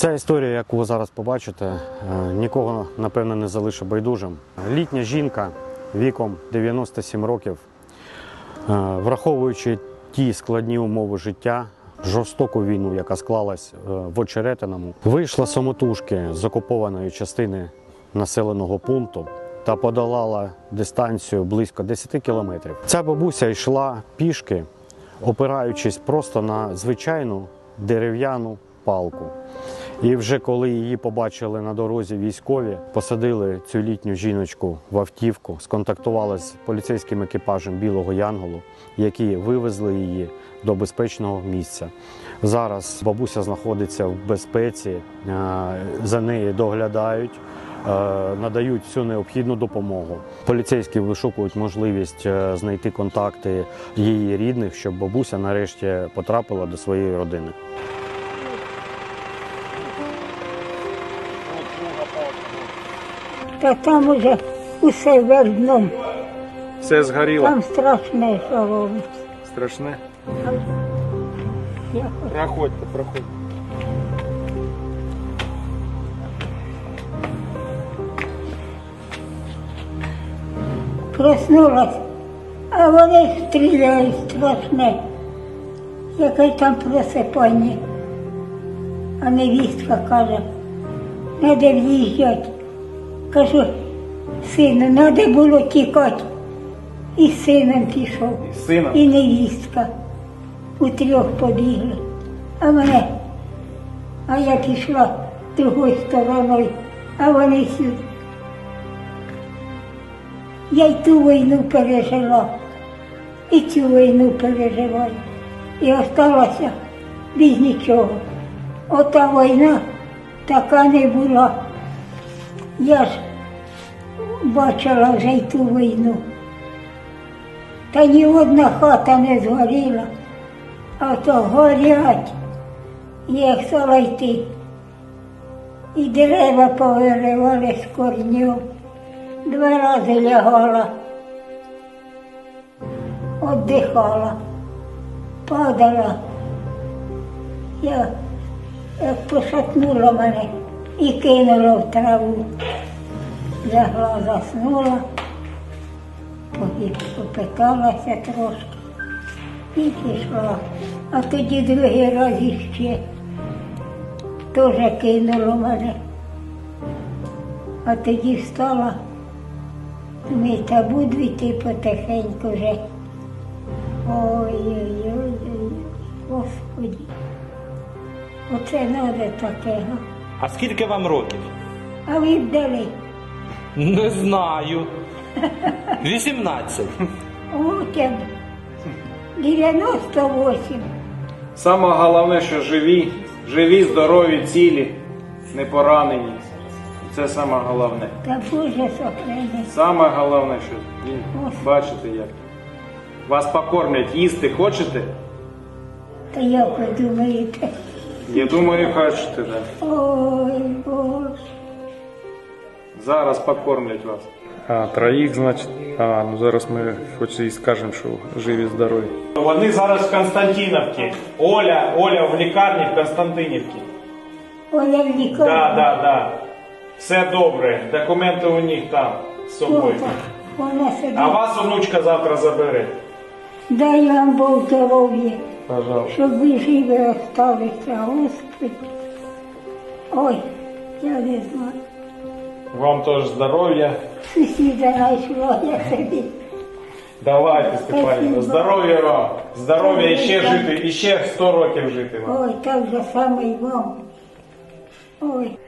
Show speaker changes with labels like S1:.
S1: Ця історія, яку ви зараз побачите, нікого, напевно, не залишить байдужим. Літня жінка віком 97 років, враховуючи ті складні умови життя, жорстоку війну, яка склалась в Очеретиному, вийшла самотужки з окупованої частини населеного пункту та подолала дистанцію близько 10 кілометрів. Ця бабуся йшла пішки, опираючись просто на звичайну дерев'яну палку. І вже коли її побачили на дорозі військові, посадили цю літню жіночку в автівку, сконтактували з поліцейським екіпажем Білого Янголу, які вивезли її до безпечного місця. Зараз бабуся знаходиться в безпеці, за нею доглядають, надають всю необхідну допомогу. Поліцейські вишукують можливість знайти контакти її рідних, щоб бабуся нарешті потрапила до своєї родини.
S2: Та там уже усе вердном.
S3: Все згоріло.
S2: Там страшне, що робиться.
S3: Страшне?
S2: Я
S3: Проходьте, проходьте.
S2: проснулась, а вони стріляють страшне. Яке там просипання. А невістка каже, треба в'їжджати. Кажу, сину, треба було тікати. І з сином пішов,
S3: І з сином?
S2: і невістка. Утрьох побігли. А я пішла другою стороною, а вони сюди. Я й ту війну пережила, і цю війну переживаю. І осталася без нічого. Ота війна така не була. Я ж бачила вже й ту війну. Та ні одна хата не згоріла, а то горять. Я стала йти. І дерева повиривали з корнів. 2 рази лягала, віддихала, падала. Я як пошатнула мене і кинула в траву. Лягла, заснула, попиталася трошки і пішла. А тоді другий раз іще теж кинуло мене. А тоді встала, думаю, та буду йти потихеньку вже. Ой-ой-ой, Господи, оце треба таке.
S4: А скільки вам років?
S2: А ви вдали?
S4: Не знаю. 18.
S2: От я 98.
S3: Саме головне, що живі, здорові, цілі, не поранені. Це саме головне.
S2: Та Боже сохрани.
S3: Саме головне, що бачите як. Вас покормлять, їсти хочете?
S2: Та як ви думаєте?
S3: Я думаю, хочете, так.
S2: Ой, Боже.
S3: Зараз покормлять вас. А, троїх, значить. Ну зараз ми хоч і скажемо, що живі, здорові. Вони зараз в Константинівці. Оля в лікарні в Константинівці.
S2: Оля в лікарні.
S3: Да. Все добре. Документи у них там з собою.
S2: Вона сидить.
S3: А вас онучка завтра забере.
S2: Дай вам Бог здоров'я,
S3: Пожалуйста.
S2: щоб ви живі осталися, Господи. Ой, я не знаю.
S3: Вам теж здоров'я.
S2: Сусіда знайшла, я собі.
S3: Давайте, Степанівна,
S2: Спасибо.
S3: здоров'я вам. Здоров'я і ще жити, і ще 100 років жити вам.
S2: Ой, так же саме й вам. Ой.